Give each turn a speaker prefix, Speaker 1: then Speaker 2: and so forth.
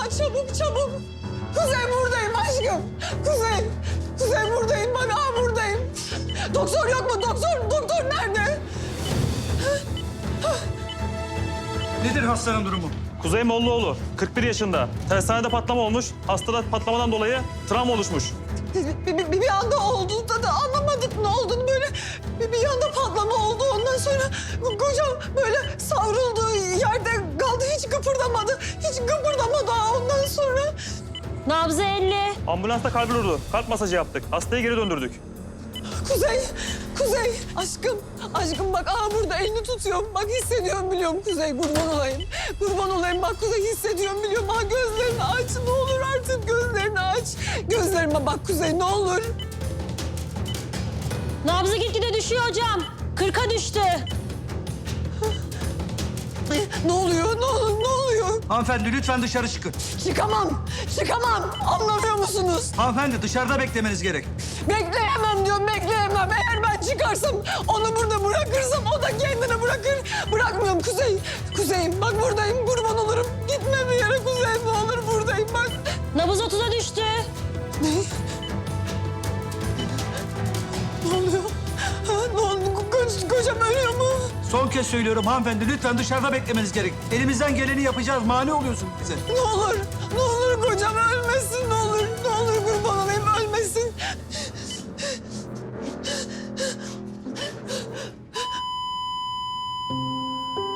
Speaker 1: çabuk çabuk. Kuzey buradayım aşkım. Kuzey. Kuzey buradayım bak buradayım. Doktor yok mu? Doktor nerede?
Speaker 2: Nedir hastanın durumu?
Speaker 3: Kuzey Mollaoğlu, 41 yaşında. Tersanede patlama olmuş. Hastada patlamadan dolayı travma oluşmuş.
Speaker 1: Bir anda oldu da anlamadık ne olduğunu böyle bir anda patlama oldu. Ondan sonra kocam böyle savruldu yerde kaldı hiç kıpırdamadı. Hiç kıpırdamadı ondan sonra.
Speaker 4: Nabzı 50.
Speaker 3: Ambulansta kalbi durdu. Kalp masajı yaptık. Hastayı geri döndürdük.
Speaker 1: Kuzey aşkım bak burada elini tutuyorum. Bak hissediyorum biliyorum Kuzey kurban olayım bak Kuzey hissediyorum biliyorum. Gözlerini aç ne olur artık gözlerini aç. Gözlerime bak Kuzey ne olur.
Speaker 4: Nabzı gitgide düşüyor hocam. 40'a düştü.
Speaker 1: Ne oluyor ne oluyor?
Speaker 2: Hanımefendi lütfen dışarı çıkın.
Speaker 1: Çıkamam anlamıyor musunuz?
Speaker 2: Hanımefendi dışarıda beklemeniz gerek.
Speaker 1: Bekleyemem diyorum bekleyemem. Eğer ben çıkarsam onu burada bırakırsam o da kendini bırakır. Bırakmıyorum Kuzey'im bak buradayım kurban olurum. Gitme bir yere Kuzey ne olur buradayım bak.
Speaker 4: Nabız 30'a düştü.
Speaker 1: Ne? Ne oluyor? Ne oldu? Kocam ölüyor mu?
Speaker 2: Son kez söylüyorum hanımefendi lütfen dışarıda beklemeniz gerek. Elimizden geleni yapacağız. Mani oluyorsunuz bize.
Speaker 1: Ne olur